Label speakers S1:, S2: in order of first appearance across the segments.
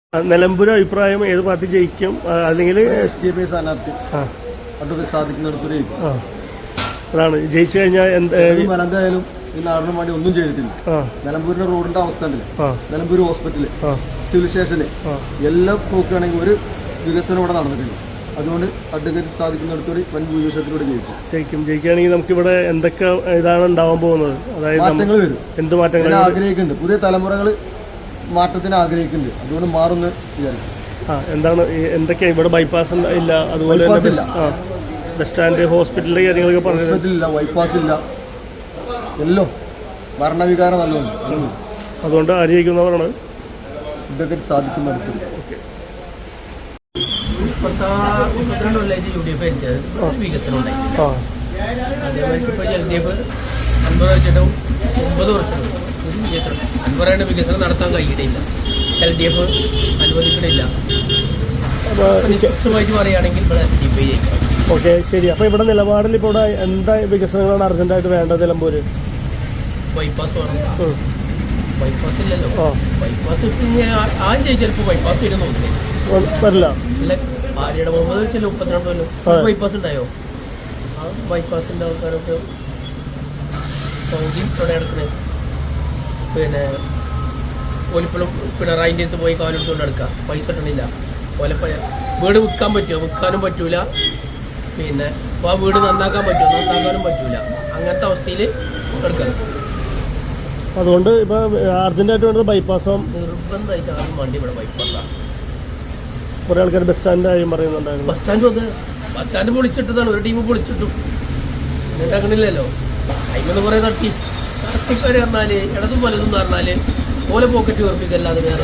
S1: നിലമ്പൂർ അഭിപ്രായം ഏത് പാർട്ടി ജയിക്കും? അല്ലെങ്കിൽ
S2: സ്ഥാനാർത്ഥി സാധിക്കുന്നിടത്തൊരു
S1: അതാണ് ജയിച്ചു കഴിഞ്ഞാൽ
S2: എന്തായാലും ഈ നാടിന് വേണ്ടി ഒന്നും ചെയ്തിട്ടില്ല. നിലമ്പൂരിന്റെ റോഡിന്റെ അവസ്ഥ ഉണ്ടല്ലോ, നിലമ്പൂർ ഹോസ്പിറ്റല്, സിവിൽ സ്റ്റേഷന് എല്ലാം നോക്കുകയാണെങ്കിൽ ഒരു വികസനം ഇവിടെ നടന്നിട്ടില്ല. അതുകൊണ്ട് അഡ്വക്കേറ്റ് സാധിക്കുന്നിടത്തോടെ വൻ ഭൂരിപക്ഷത്തിലൂടെ ജയിക്കും.
S1: ജയിക്കുകയാണെങ്കിൽ നമുക്കിവിടെ എന്തൊക്കെ ഇതാണ് ഉണ്ടാവാൻ പോകുന്നത്? അതായത്
S2: മാറ്റങ്ങൾ വരും.
S1: എന്ത് മാറ്റങ്ങൾ
S2: ആഗ്രഹിക്കുന്നുണ്ട്? പുതിയ തലമുറകൾ മാറ്റത്തിന് ആഗ്രഹിക്കുന്നുണ്ട്. അതുകൊണ്ട് മാറുന്ന വിചാരിക്കും.
S1: എന്താണ് എന്തൊക്കെയാ ഇവിടെ? ബൈപ്പാസ് ഇല്ല, അതുപോലെ ബസ് സ്റ്റാൻഡ്, ഹോസ്പിറ്റലിലെ കാര്യങ്ങളൊക്കെ
S2: ഹോസ്പിറ്റലില്ല, ബൈപ്പാസ് ഇല്ല, എല്ലാം ഭരണവികാരം നല്ലുണ്ട്.
S1: അതുകൊണ്ട് ആര് ജയിക്കുന്നവരാണ്?
S2: അഡ്വക്കേറ്റ് സാധിക്കുന്നിടത്ത്.
S3: വികസനം ഉണ്ടായി. അതേമാതിരി ഇപ്പോൾ LDF 50 വർഷവും 9 വർഷവും ഒരു വികസനം 50 വികസനം നടത്താൻ കഴിയില്ല. LDF അനുവദിക്കണില്ല. നിശ്ചയമായിട്ട് പറയുകയാണെങ്കിൽ ഇവിടെ LDF ജയിക്കാം.
S1: ഓക്കെ, ശരി. അപ്പോൾ ഇവിടെ നിലപാടിൽ ഇപ്പോൾ ഇവിടെ എന്താ വികസനങ്ങളാണ് അർജന്റായിട്ട് വേണ്ടത്? നിലമ്പൂര്
S3: ബൈപ്പാസ് വേണം. ബൈപ്പാസ് ഇല്ലല്ലോ. ബൈപ്പാസ് ആദ്യം ചോദിച്ചപ്പോൾ ബൈപ്പാസ് വരും
S1: വരില്ല.
S3: അല്ല, ആര്യയുടെ മുമ്പ് വെച്ചാൽ 32 കൊല്ലം ബൈപ്പാസ് ഉണ്ടായോ? ആ ബൈപ്പാസിൻ്റെ ആൾക്കാരൊക്കെ സൗദി ഇവിടെ കിടക്കണേ. പിന്നെ ഓലിപ്പോഴും പിണറായിൻ്റെ അടുത്ത് പോയി കാലെടുത്തുകൊണ്ട് എടുക്കുക. പൈസ ഇട്ടണില്ല. ഓലെ വീട് വിൽക്കാൻ പറ്റുമോ? വിൽക്കാനും പറ്റൂല. പിന്നെ ആ വീട് നന്നാക്കാൻ പറ്റുമോ? നന്നാക്കാനും പറ്റൂല. അങ്ങനത്തെ അവസ്ഥയിൽ എടുക്കണം.
S1: അതുകൊണ്ട് ഇപ്പോൾ അർജന്റായിട്ട് വേണ്ടത് ബൈപ്പാസും
S3: നിർബന്ധമായിട്ട് ആദ്യം വണ്ടി ഇവിടെ ബൈപ്പാസാണ്.
S1: കുറേ ആൾക്കാർ ബസ് സ്റ്റാൻഡിൻ്റെ കാര്യം പറയുന്നുണ്ടായിരുന്നു.
S3: ബസ് സ്റ്റാൻഡ് പൊളിച്ചിട്ടതാണ്. ഒരു ടീം പൊളിച്ചിട്ടു. എന്നിട്ട് അങ്ങനെയില്ലല്ലോ. അതിന് കുറേ തട്ടിക്കാർ പറഞ്ഞാൽ ഇടതും വലതും എന്ന് പറഞ്ഞാൽ ഓലെ പോക്കറ്റ് ഉറപ്പിക്കല്ലാതെ വേറെ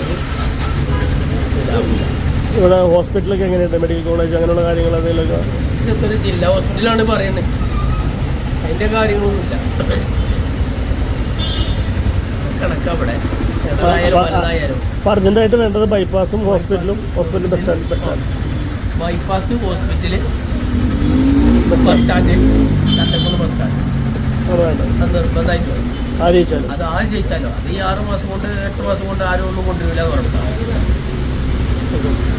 S1: ഇവിടെ ഹോസ്പിറ്റലൊക്കെ എങ്ങനെയുണ്ട്? മെഡിക്കൽ കോളേജ് അങ്ങനെയുള്ള കാര്യങ്ങൾ എന്തെങ്കിലുമൊക്കെ?
S3: ഇതൊക്കെ ഒരു ജില്ലാ ഹോസ്പിറ്റലാണ് പറയുന്നത്. അതിൻ്റെ കാര്യങ്ങളൊന്നുമില്ല. കണക്കാ ഇവിടെ
S1: അർജന്റായിട്ട് വേണ്ടത് ബൈപ്പാസും ഹോസ്പിറ്റലും bus stand.
S3: Bypass, hospital, bus stand, Chattakkunnu bus stand അത് നിർബന്ധമായിട്ട് വരും. അത് ആര് ജയിച്ചാലോ അത് ഈ 6 മാസം കൊണ്ട് 8 മാസം കൊണ്ട് ആരും ഒന്നും കൊണ്ടുവരില്ല എന്ന് പറഞ്ഞു.